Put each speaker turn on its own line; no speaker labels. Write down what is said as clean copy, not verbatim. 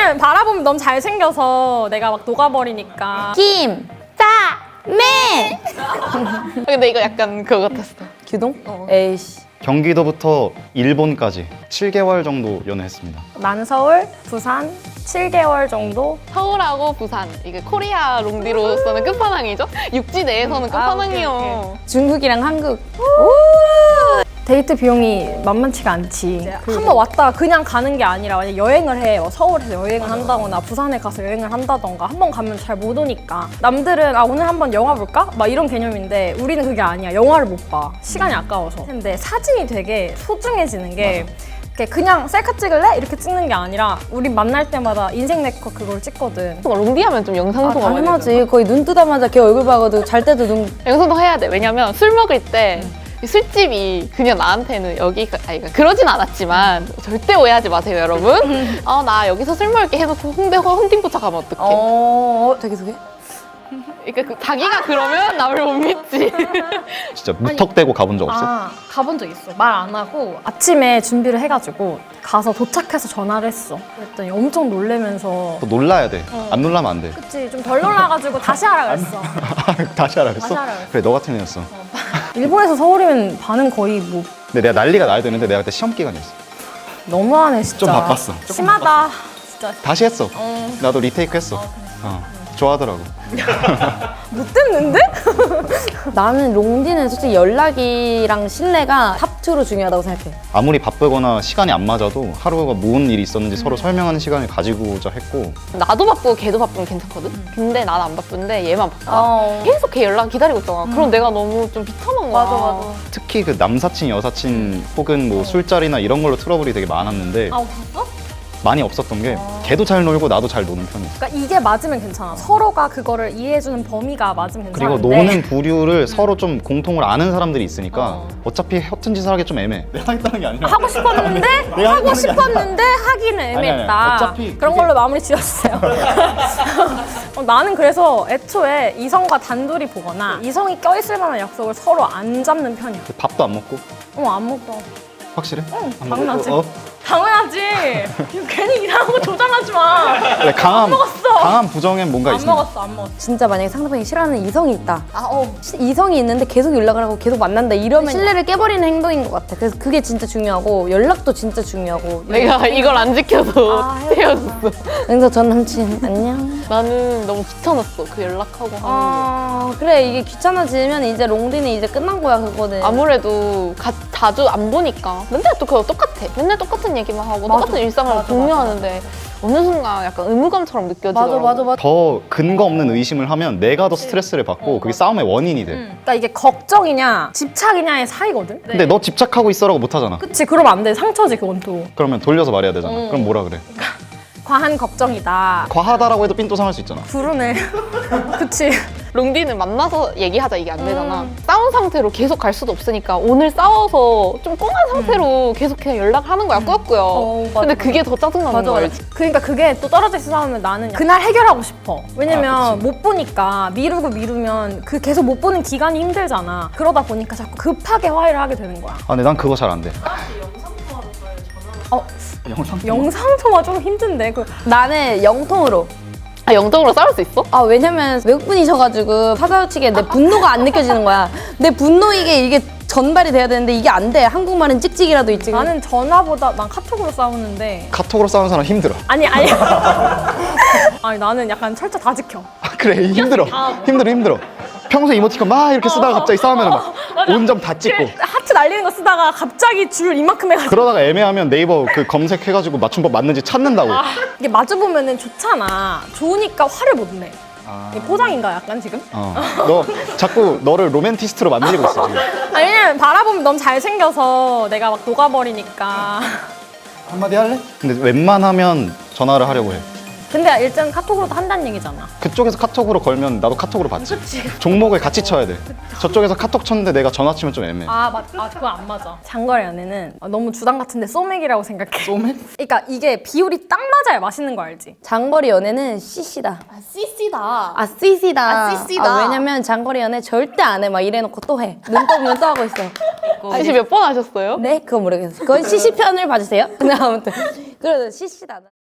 아니면 바라보면 너무 잘생겨서 내가 막 녹아버리니까.
김!짜!맨!
근데 이거 약간 그거 같았어.
규동? 에이씨.
경기도부터 일본까지 7개월 정도 연애했습니다.
난 서울, 부산 7개월 정도.
서울하고 부산 이게 코리아 롱디로서는 끝판왕이죠? 육지 내에서는 끝판왕이요.
중국이랑 한국.
데이트 비용이 만만치가 않지. 한번 왔다가 그냥 가는 게 아니라 만약 여행을 해. 서울에서 여행을 한다거나 부산에 가서 여행을 한다던가 한 번 가면 잘 못 오니까. 남들은 오늘 한번 영화 볼까? 막 이런 개념인데 우리는 그게 아니야. 영화를 못 봐. 시간이 아까워서. 근데 사진이 되게 소중해지는 게 그냥 셀카 찍을래? 이렇게 찍는 게 아니라 우리 만날 때마다 인생 네컷 그걸 찍거든.
롱디 하면 좀 영상통화 많이
당연하지. 거의 눈 뜨자마자 걔 얼굴 봐가지고 잘 때도 눈.
영상통화 해야 돼. 왜냐면 술 먹을 때 이 술집이 그냥 나한테는 여기가 그러니까 그러진 않았지만 절대 오해하지 마세요 여러분. 나 여기서 술 먹을게 해놓고 홍대 헌팅포차 가면 어떡해.
자기소개?
그러니까 자기가 그러면 남을 못 믿지.
진짜 무턱대고 가본 적 없어?
가본 적 있어. 말 안 하고 아침에 준비를 해가지고 가서 도착해서 전화를 했어. 그랬더니 엄청 놀래면서
또 놀라야 돼. 안 놀라면 안 돼.
그치 좀 덜 놀라가지고 다시 하라 그랬어.
다시 하라 그랬어?
다시 하라 그랬어.
그래, 너 같은 애였어.
일본에서 서울이면 반은 거의 뭐
근데 내가 난리가 나야 되는데 내가 그때 시험 기간이었어.
너무하네 진짜.
좀 바빴어.
심하다 진짜.
다시 했어. 나도 리테이크 했어. 좋아하더라고.
못 듣는데?
나는 롱디는 솔직히 연락이랑 신뢰가 탑2로 중요하다고 생각해.
아무리 바쁘거나 시간이 안 맞아도 하루가 무슨 일이 있었는지 서로 설명하는 시간을 가지고자 했고.
나도 바쁘고 걔도 바쁘면 괜찮거든? 근데 난 안 바쁜데 얘만 바빠. 계속 걔 연락 기다리고 있잖아. 그럼 내가 너무 좀 비참한 거야.
특히 그 남사친, 여사친 혹은 뭐 술자리나 이런 걸로 트러블이 되게 많았는데
없었어?
많이 없었던 게 걔도 잘 놀고 나도 잘 노는 편이야.
그러니까 이게 맞으면 괜찮아. 서로가 그거를 이해해주는 범위가 맞으면
그리고
괜찮은데
노는 부류를 서로 좀 공통으로 아는 사람들이 있으니까 어차피 허튼 짓을 하기 좀 애매해. 내가 하겠다는 게 아니라
하고 싶었는데 하고 싶었는데 하기는 애매했다.
아니, 어차피
그런
그게-
걸로 마무리 지어주세요. 나는 그래서 애초에 이성과 단둘이 보거나 이성이 껴있을 만한 약속을 서로 안 잡는 편이야.
밥도 안 먹고?
안 먹어.
확실해?
응,
안
당연하지.
먹고?
당연하지. 괜히 이상한 거 조장하지 마.
그래,
먹었어.
강한 부정엔 뭔가
안
있습니다.
먹었어, 안 먹었어.
진짜 만약에 상대방이 싫어하는 이성이 있다. 이성이 있는데 계속 연락을 하고 계속 만난다 이러면 신뢰를 깨버리는 행동인 것 같아. 그래서 그게 진짜 중요하고 연락도 진짜 중요하고.
내가 이걸 안 지켜서 헤어졌어.
그래서 전 남친 안녕.
나는 너무 귀찮았어. 그 연락하고 하는 게.
그래 이게 귀찮아지면 이제 롱디는 이제 끝난 거야 그거는.
아무래도 자주 안 보니까 맨날 또 그거 똑같아. 맨날 똑같은 얘기만 하고 똑같은 일상을 공유하는데 어느 순간 약간 의무감처럼 느껴지더라고.
맞아.
더 근거 없는 의심을 하면 내가 더 스트레스를 받고 그게 싸움의 원인이 돼.
그러니까 이게 걱정이냐 집착이냐의 사이거든.
근데 너 집착하고 있어라고 못 하잖아.
그치, 그러면 안 돼. 상처지, 그건 또.
그러면 돌려서 말해야 되잖아. 그럼 뭐라 그래?
과한 걱정이다.
과하다라고 해도 삔또 상할 수 있잖아.
부르네. 그치.
롱디는 만나서 얘기하자 이게 안 되잖아. 싸운 상태로 계속 갈 수도 없으니까 오늘 싸워서 좀 꽁한 상태로 계속 그냥 연락하는 거야 꾸역꾸역.
맞아,
근데
맞아.
그게 더 짜증나는 거야. 알지?
그러니까 그게 또 떨어져 있어 싸우면 나는 그날 해결하고 싶어. 왜냐면 못 보니까 미루면 그 계속 못 보는 기간이 힘들잖아. 그러다 보니까 자꾸 급하게 화해를 하게 되는 거야.
근데 난 그거 잘 안 돼.
영상통화 좀 힘든데.
나는 영통으로.
영적으로 싸울 수 있어?
왜냐면 외국분이셔가지고 사사우치게 내 분노가 안 느껴지는 거야. 내 분노 이게 전달이 돼야 되는데 이게 안 돼. 한국말은 찍찍이라도 있지.
나는 전화보다 난 카톡으로 싸우는데.
카톡으로 싸우는 사람 힘들어.
아니. 아니 나는 약간 철저 다 지켜.
그래, 힘들어. 힘들어. 평소에 이모티콘 막 이렇게 쓰다가 갑자기 싸우면 막 온점 다 찍고.
하트 날리는 거 쓰다가 갑자기 줄 이만큼 해가지고.
그러다가 애매하면 네이버 그 검색해가지고 맞춤법 맞는지 찾는다고.
이게 마주보면은 좋잖아. 좋으니까 화를 못 내. 이게 포장인가 약간 지금?
너 자꾸 너를 로맨티스트로 만들고 있어 지금.
왜냐면 바라보면 너무 잘생겨서 내가 막 녹아버리니까.
한마디 할래? 근데 웬만하면 전화를 하려고 해.
근데 일단 카톡으로도 한다는 얘기잖아.
그쪽에서 카톡으로 걸면 나도 카톡으로 받지. 종목을 같이 쳐야 돼. 저쪽에서 카톡 쳤는데 내가 전화 치면 좀 애매해.
그거 안 맞아. 장거리 연애는 너무 주당 같은데 소맥이라고 생각해.
소맥?
그러니까 이게 비율이 딱 맞아야 맛있는 거 알지?
장거리 연애는 CC다.
CC다.
CC다.
CC다.
왜냐면 장거리 연애 절대 안 해. 막 이래놓고 또 해. 눈 떠보면 또 하고 있어.
CC 몇 번 하셨어요?
네? 그건 모르겠어. 그건 CC 편을 봐주세요. 근데 아무튼. 그래도 CC다.